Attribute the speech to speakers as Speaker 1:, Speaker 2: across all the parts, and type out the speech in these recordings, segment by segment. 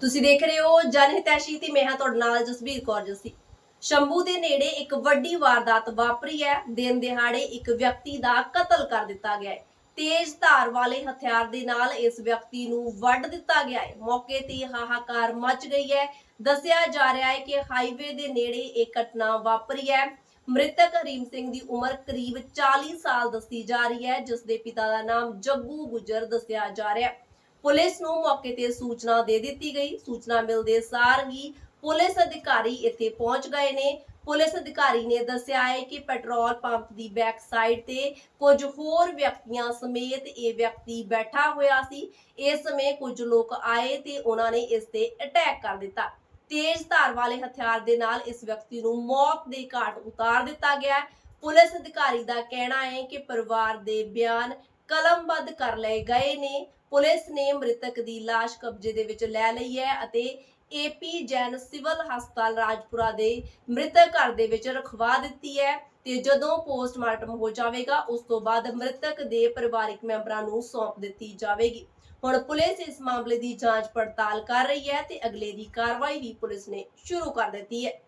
Speaker 1: ਤੁਸੀਂ ਦੇਖ ਰਹੇ ਹੋ ਜਨਹਿਤੈਸ਼ੀ ਤੇ ਮੈਂ ਹਾਂ ਤੁਹਾਡੇ ਨਾਲ ਜਸਬੀਰ ਕੌਰ ਜੱਸੀ। ਸ਼ੰਭੂ ਦੇ ਨੇੜੇ ਇੱਕ ਵੱਡੀ ਵਾਰਦਾਤ ਵਾਪਰੀ ਹੈ। ਦਿਨ ਦਿਹਾੜੇ ਇੱਕ ਵਿਅਕਤੀ ਦਾ ਕਤਲ ਕਰ ਦਿੱਤਾ ਗਿਆ ਹੈ। ਤੇਜ਼ ਧਾਰ ਵਾਲੇ ਹਥਿਆਰ ਦੇ ਨਾਲ ਇਸ ਵਿਅਕਤੀ ਨੂੰ ਵੱਢ ਦਿੱਤਾ ਗਿਆ ਹੈ। ਮੌਕੇ ਤੇ ਹਾਹਾਕਾਰ ਮਚ ਗਈ ਹੈ। ਦੱਸਿਆ ਜਾ ਰਿਹਾ ਹੈ ਕਿ ਹਾਈਵੇ ਦੇ ਨੇੜੇ ਇਹ ਘਟਨਾ ਵਾਪਰੀ ਹੈ। ਮ੍ਰਿਤਕ ਹਰੀਮ ਸਿੰਘ ਦੀ ਉਮਰ ਕਰੀਬ 40 ਸਾਲ ਦੱਸੀ ਜਾ ਰਹੀ ਹੈ, ਜਿਸ ਦੇ ਪਿਤਾ ਦਾ ਨਾਮ ਜੱਗੂ ਗੁੱਜਰ ਦੱਸਿਆ ਜਾ ਰਿਹਾ ਹੈ। पुलिस ਨੂੰ मौके ते सूचना दे दी गई। सूचना मिलते सार ही पुलिस अधिकारी इत्थे पहुंच गए ने। पुलिस अधिकारी ने दस्सिया है कि पेट्रोल पंप की बैक साइड ते कुछ होर व्यक्तियां समेत ये व्यक्ति बैठा होया सी। इस समय कुछ लोग आए ते उन्होंने इस ते अटैक कर दिता। तेज धार वाले हथियार दे नाल इस व्यक्ति नूं मौत दे घाट उतार दिता गया। पुलिस अधिकारी का कहना है कि परिवार दे बयान कलमबद्ध कर लए गए ने। पुलिस ने मृतक की लाश कब्जे दे विच लै लई है अते AP जैन सिविल हस्पताल राजपुरा दे मृतक घर दे विच रखवा दित्ती है ते जदों पोस्टमार्टम हो जाएगा उस तो बाद मृतक दे परिवारिक मैंबरां नूं सौंप दित्ती जाएगी। हुण पुलिस इस मामले की जांच पड़ताल कर रही है ते अगले दी कार्रवाई भी पुलिस ने शुरू कर दित्ती है।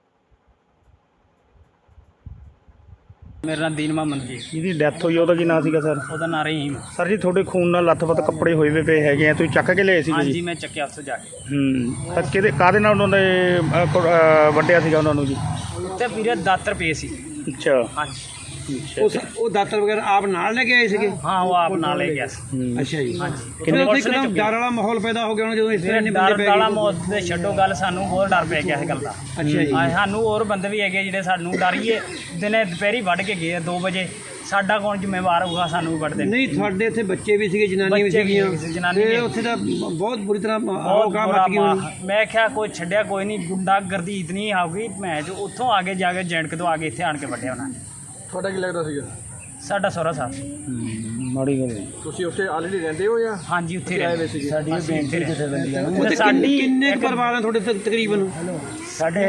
Speaker 2: मेरा नाम दीन मोहम्मद जी।
Speaker 3: ਜਿਹਦੀ ਡੈਥ ਹੋਈ ਉਹਦਾ ਕੀ ਨਾਂ ਸੀਗਾ ਸਰ?
Speaker 2: ਉਹਦਾ ਨਾਂ ਰਹੀਮ।
Speaker 3: ਸਰ ਜੀ ਤੁਹਾਡੇ ਖੂਨ ਨਾਲ ਲੱਥਪੱਥ ਕੱਪੜੇ ਹੋਏ ਵੇ ਪਏ ਹੈਗੇ ਆ, ਤੁਸੀਂ ਚੱਕ ਕੇ ਲਿਆਏ ਸੀਗੇ
Speaker 2: ਹਾਂਜੀ
Speaker 3: ਜੀ?
Speaker 2: ਮੈਂ ਚੱਕਿਆ ਉੱਥੇ ਜਾ ਕੇ।
Speaker 3: ਤਾਂ ਕਿਹਦੇ ਕਾਹਦੇ ਨਾਲ ਉਹਨਾਂ ਨੇ ਵੱਢਿਆ ਸੀਗਾ ਉਹਨਾਂ ਨੂੰ ਜੀ?
Speaker 2: ਉੱਤੇ ਵੀਰੇ ਦਾਤਰ ਪਏ ਸੀ।
Speaker 3: ਅੱਛਾ
Speaker 2: ਹਾਂਜੀ
Speaker 4: ਉਹ ਦਾਤਰ ਵਗੈਰਾ ਆਪ ਨਾਲ ਲੈ ਕੇ ਆਏ ਸੀਗੇ?
Speaker 2: ਹਾਂ ਉਹ ਆਪ ਨਾਲ ਲੈ ਗਿਆ ਸੀ।
Speaker 4: ਅੱਛਾ ਜੀ।
Speaker 2: ਹਾਂਜੀ
Speaker 4: ਕਿੰਨੇ
Speaker 2: ਪੁਲਿਸ ਨੇ
Speaker 4: ਇੱਕਦਮ
Speaker 2: ਚੁੱਕਿਆ।
Speaker 4: ਡਰ ਵਾਲਾ ਮਾਹੌਲ ਪੈਦਾ ਹੋ ਗਿਆ ਉਹਨਾਂ ਜਦੋਂ ਇਸ ਤਰ੍ਹਾਂ ਇੰਨੇ ਬੰਦੇ
Speaker 2: ਡਰ
Speaker 4: ਪੈ
Speaker 2: ਵਾਲਾ
Speaker 4: ਗਏ?
Speaker 2: ਮੌਤ ਦੇ ਛੱਡੋ ਗੱਲ, ਸਾਨੂੰ ਹੋਰ ਡਰ ਪੈ ਗਿਆ ਇਸ ਗੱਲ ਦਾ।
Speaker 4: ਅੱਛਾ ਜੀ।
Speaker 2: ਸਾਨੂੰ ਹੋਰ ਬੰਦੇ ਵੀ ਹੈਗੇ ਜਿਹੜੇ ਸਾਨੂੰ ਡਰੀਏ ਦਿਨੇ ਦੁਪਹਿਰੀ ਵੱਢ ਕੇ ਗਏ 2 ਵਜੇ। ਸਾਡਾ ਕੌਣ ਜ਼ਿੰਮੇਵਾਰ ਹੋਊਗਾ? ਸਾਨੂੰ ਵੀ ਵੱਢ ਦੇਣ।
Speaker 4: ਨਹੀਂ ਤੁਹਾਡੇ ਇੱਥੇ ਬੱਚੇ ਵੀ ਸੀਗੇ, ਜਨਾਨੀਆਂ ਵੀ
Speaker 2: ਬੱਚੇ ਵੀ
Speaker 4: ਸੀਗੀਆਂ
Speaker 2: ਸੀ, ਜਨਾਨੀ
Speaker 4: ਤੇ
Speaker 2: ਵੀ।
Speaker 4: ਉੱਥੇ ਤਾਂ ਬਹੁਤ ਬੁਰੀ ਤਰ੍ਹਾਂ
Speaker 2: ਬਹੁਤ
Speaker 4: ਗਾਹ
Speaker 2: ਬੁਰਾ
Speaker 4: ਮੱਚ ਗਈ ਹੋਣੀ।
Speaker 2: ਮੈਂ ਕਿਹਾ ਕੋਈ ਛੱਡਿਆ ਕੋਈ ਨਹੀਂ, ਗੁੰਡਾ ਗਰਦੀ ਇਤਨੀ ਆਊਗੀ। ਮੈਂ ਜੋ ਉੱਥੋਂ ਆਗੇ ਜਾ ਕੇ ਜੈਂਟਕ ਤੋਂ ਆਗੇ ਇੱਥੇ ਆਣ ਕੇ ਵੱਢਿਆ ਉਹਨਾਂ ਨੇ।
Speaker 4: ਤੁਹਾਡਾ ਕੀ ਲੱਗਦਾ ਸੀਗਾ?
Speaker 2: ਸਾਡਾ ਸਹੁਰਾ ਸਾਹਿਬ।
Speaker 3: ਮਾੜੀ ਗੱਲ ਹੈ।
Speaker 4: ਤੁਸੀਂ ਉੱਥੇ ਆਲਰੇਡੀ ਰਹਿੰਦੇ ਹੋ ਜਾਂ
Speaker 2: ਹਾਂਜੀ ਉੱਥੇ ਰਹਿੰਦੇ
Speaker 4: ਸੀਗੇ?
Speaker 3: ਸਾਡੀ ਬੇਨਤੀ ਕਿੱਥੇ ਬੰਦੀ ਆ?
Speaker 4: ਉੱਥੇ
Speaker 2: ਸਾਡੀ
Speaker 4: ਕਿੰਨੇ ਕੁ ਪਰਿਵਾਰ ਆ ਤੁਹਾਡੇ ਤਕਰੀਬਨ?
Speaker 2: ਸਾਡੇ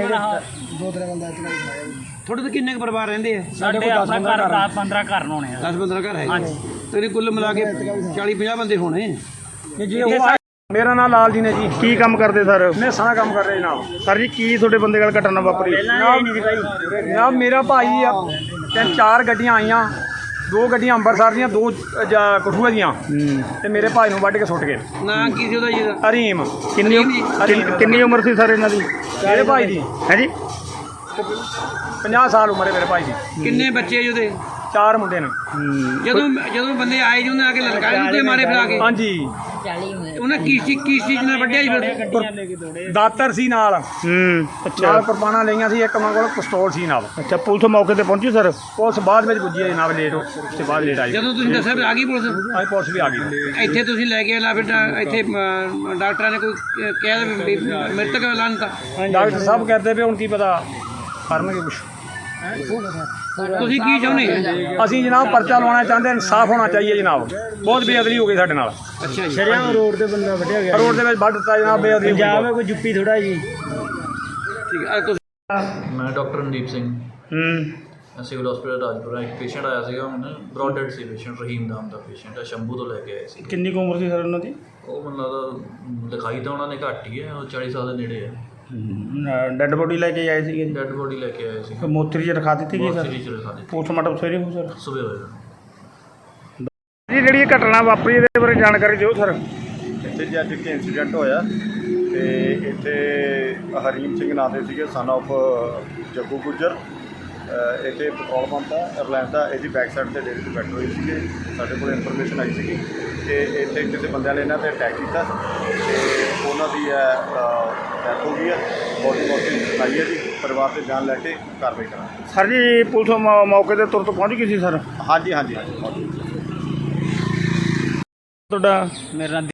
Speaker 4: ਤੁਹਾਡੇ ਤੇ ਕਿੰਨੇ ਕੁ ਪਰਿਵਾਰ ਰਹਿੰਦੇ ਆ?
Speaker 2: ਸਾਡੇ ਆਪਣਾ ਘਰ 10-15 ਘਰ ਹੋਣੇ ਆ।
Speaker 4: 10-15 ਘਰ ਹੈ?
Speaker 2: ਹਾਂਜੀ।
Speaker 4: ਤੇਰੇ ਕੁੱਲ ਮਿਲਾ ਕੇ 40-50 ਬੰਦੇ ਹੋਣੇ।
Speaker 3: ਮੇਰਾ ਨਾਮ ਲਾਲ ਜੀ ਨੇ ਜੀ। ਕੀ ਕੰਮ ਕਰਦੇ ਸਰ?
Speaker 5: ਮੈਂ ਸਾਰਾ ਕੰਮ ਕਰ ਰਿਹਾ ਜਨਾਬ।
Speaker 3: ਸਰ ਜੀ ਕੀ ਤੁਹਾਡੇ ਬੰਦੇ ਨਾਲ ਘਟਨਾ ਵਾਪਰੀ?
Speaker 5: ਜਨਾਬ ਮੇਰਾ ਭਾਈ ਆ, 3-4 ਗੱਡੀਆਂ ਆਈਆਂ, 2 ਗੱਡੀਆਂ ਅੰਮ੍ਰਿਤਸਰ ਦੀਆਂ, 2 ਕਠੂਆ ਦੀਆਂ, ਤੇ ਮੇਰੇ ਭਾਈ ਨੂੰ ਵੱਢ ਕੇ ਸੁੱਟ ਗਏ।
Speaker 4: ਨਾਂ ਕੀ ਸੀ ਉਹਦਾ ਜੀ?
Speaker 3: ਹਰੀਮ। ਕਿੰਨੀ ਉਮਰ ਸੀ ਸਰ ਇਹਨਾਂ ਦੀ?
Speaker 5: ਮੇਰੇ ਭਾਈ ਦੀ
Speaker 3: ਹੈ ਜੀ?
Speaker 5: 50 ਸਾਲ ਉਮਰ ਹੈ ਮੇਰੇ ਭਾਈ ਦੀ।
Speaker 4: ਕਿੰਨੇ ਬੱਚੇ ਜੀ ਉਹਦੇ?
Speaker 5: 4 ਮੁੰਡੇ ਨੇ।
Speaker 4: ਜਦੋਂ ਬੰਦੇ ਆਏ ਜੀ ਉਹਨੇ ਆ ਕੇ ਲਲਕਾਰੇ ਉੱਤੇ ਮਾਰੇ ਫਿਰਾ ਕੇ?
Speaker 5: ਹਾਂਜੀ।
Speaker 4: ਉਹਨਾਂ ਕੀ ਚੀਜ਼ ਨਾਲ ਵੱਢਿਆ ਜੀ ਫਿਰ?
Speaker 5: ਦਾਤਰ ਸੀ ਨਾਲ,
Speaker 3: ਅੱਛਾ
Speaker 5: ਨਾਲ ਕੁਰਬਾਨਾਂ ਲਈਆਂ ਸੀ, ਇੱਕ ਉਹਨਾਂ ਕੋਲ ਪਿਸਤੌਲ ਸੀ ਨਾਲ।
Speaker 3: ਅੱਛਾ ਪੁਲਿਸ ਮੌਕੇ ਤੇ ਪਹੁੰਚੀ ਸਰ?
Speaker 5: ਪੁਲਿਸ ਬਾਅਦ ਵਿੱਚ ਪੁੱਜੀ ਹੈ ਜਨਾਬ, ਲੇਟ ਉਸ ਤੋਂ ਬਾਅਦ ਲੇਟ ਆਈ।
Speaker 4: ਜਦੋਂ ਤੁਸੀਂ ਦੱਸਿਆ ਫਿਰ ਆ ਗਈ ਪੁਲਿਸ?
Speaker 5: ਅੱਜ ਪੁਲਿਸ ਵੀ ਆ ਗਈ।
Speaker 4: ਇੱਥੇ ਤੁਸੀਂ ਲੈ ਕੇ ਆਲਾ ਫਿਰ ਇੱਥੇ ਡਾਕਟਰਾਂ ਨੇ ਕੋਈ ਕਿਹਾ ਵੀ ਮ੍ਰਿਤਕ ਐਲਾਨ ਦਿੱਤਾ?
Speaker 5: ਡਾਕਟਰ ਸਾਹਿਬ ਕਹਿੰਦੇ ਵੀ ਹੁਣ ਕੀ ਪਤਾ ਕਰਨਗੇ ਕੁਛ।
Speaker 4: ਤੁਸੀਂ ਕੀ ਚਾਹੁੰਦੇ?
Speaker 5: ਅਸੀਂ ਜਨਾਬ ਪਰਚਾ ਲਵਾਉਣਾ ਚਾਹੁੰਦੇ, ਇਨਸਾਫ ਹੋਣਾ ਚਾਹੀਏ ਜਨਾਬ। ਬਹੁਤ ਬੇਅਦਲੀ ਹੋ ਗਈ ਸਾਡੇ ਨਾਲ।
Speaker 4: ਅੱਛਾ ਜੀ।
Speaker 3: ਸ਼ਰਿਆਮ ਰੋਡ ਤੇ ਬੰਦਾ ਵੱਢਿਆ ਗਿਆ।
Speaker 5: ਰੋਡ ਦੇ ਵਿੱਚ ਵੱਢ ਦਿੱਤਾ ਜਨਾਬ, ਬੇਅਦਲੀ ਹੋ ਗਈ।
Speaker 3: ਕੋਈ ਜੁੱਪੀ ਥੋੜਾ ਜੀ।
Speaker 4: ਠੀਕ ਹੈ। ਤੁਸੀਂ
Speaker 6: ਮੈਂ doctor Randeep Singh, civil hospital Rajpura. ਇੱਕ ਪੇਸ਼ੈਂਟ ਆਇਆ ਸੀਗਾ, ਹੁਣ ਬ੍ਰੌਡ ਡੈਡ ਸੀ ਪੇਸ਼ੈਂਟ, ਰਹੀਮ ਨਾਮ ਦਾ ਪੇਸ਼ੈਂਟ ਹੈ, ਸ਼ੰਭੂ ਤੋਂ ਲੈ ਕੇ ਆਏ ਸੀ।
Speaker 3: ਕਿੰਨੀ ਕੁ ਉਮਰ ਸੀ ਸਰ ਉਹਨਾਂ ਦੀ?
Speaker 6: ਉਹ ਮੈਨੂੰ ਲੱਗਦਾ ਲਿਖਾਈ ਤਾਂ ਉਹਨਾਂ ਨੇ ਘੱਟ ਹੀ ਹੈ, ਉਹ 40 ਸਾਲ ਦੇ ਨੇੜੇ ਹੈ।
Speaker 3: ਡੈੱਡ ਬੋਡੀ ਲੈ ਕੇ ਆਏ ਸੀਗੇ ਜੀ?
Speaker 6: ਡੈਡ ਬੋਡੀ ਲੈ ਕੇ ਆਏ ਸੀ।
Speaker 3: ਮੋਤਰੀ 'ਚ ਰਖਾ ਦਿੱਤੀ ਗਈ ਸਰ?
Speaker 6: ਸੀਰੀਜ਼ ਰਖਾ ਦਿੱਤੀ,
Speaker 3: ਪੋਸਟਮਾਰਟਮ ਸਵੇਰੇ ਹੋ ਸਰ?
Speaker 6: ਸੁਬਹ ਹੋਏਗਾ।
Speaker 3: ਜੀ ਜਿਹੜੀ ਇਹ ਘਟਨਾ ਵਾਪਰੀ ਇਹਦੇ ਬਾਰੇ ਜਾਣਕਾਰੀ ਦਿਓ ਸਰ।
Speaker 7: ਇੱਥੇ ਜੀ ਅੱਜ ਇੱਕ ਇੰਸੀਡੈਂਟ ਹੋਇਆ ਤੇ ਇੱਥੇ ਹਰੀਮ ਸਿੰਘ ਨਾਂ ਦੇ ਸੀਗੇ, ਸਨ ਆਫ ਜੱਗੂ ਗੁੱਜਰ। ਇੱਥੇ ਪੈਟਰੋਲ ਪੰਪ ਆ ਰਿਲਾਇੰਸ ਦਾ, ਇਹਦੀ ਬੈਕ ਸਾਈਡ 'ਤੇ ਡੇਰੇ 'ਤੇ ਬੈਠੇ ਹੋਏ ਸੀਗੇ। ਸਾਡੇ ਕੋਲ ਇਨਫੋਰਮੇਸ਼ਨ ਆਈ ਸੀਗੀ ਕਿ ਇੱਥੇ ਕਿਸੇ ਬੰਦਿਆਂ ਨੇ ਇਹਨਾਂ 'ਤੇ ਅਟੈਕ ਕੀਤਾ ਤੇ ਉਹਨਾਂ ਦੀ ਡੈਥ ਹੋ ਗਈ ਹੈ। ਬੋਡੀ ਆਈ ਹੈ ਜੀ, ਪਰਿਵਾਰ ਦੇ ਬਿਆਨ ਲੈ ਕੇ ਕਾਰਵਾਈ ਕਰਾਂਗੇ।
Speaker 3: ਸਰ ਜੀ ਪੁਲਿਸ ਮੌਕੇ ਤੇ ਤੁਰੰਤ ਪਹੁੰਚ ਗਈ ਸੀ ਸਰ?
Speaker 7: ਹਾਂਜੀ।
Speaker 3: ਤੁਹਾਡਾ?
Speaker 2: ਮੇਰਾ ਨਾਮ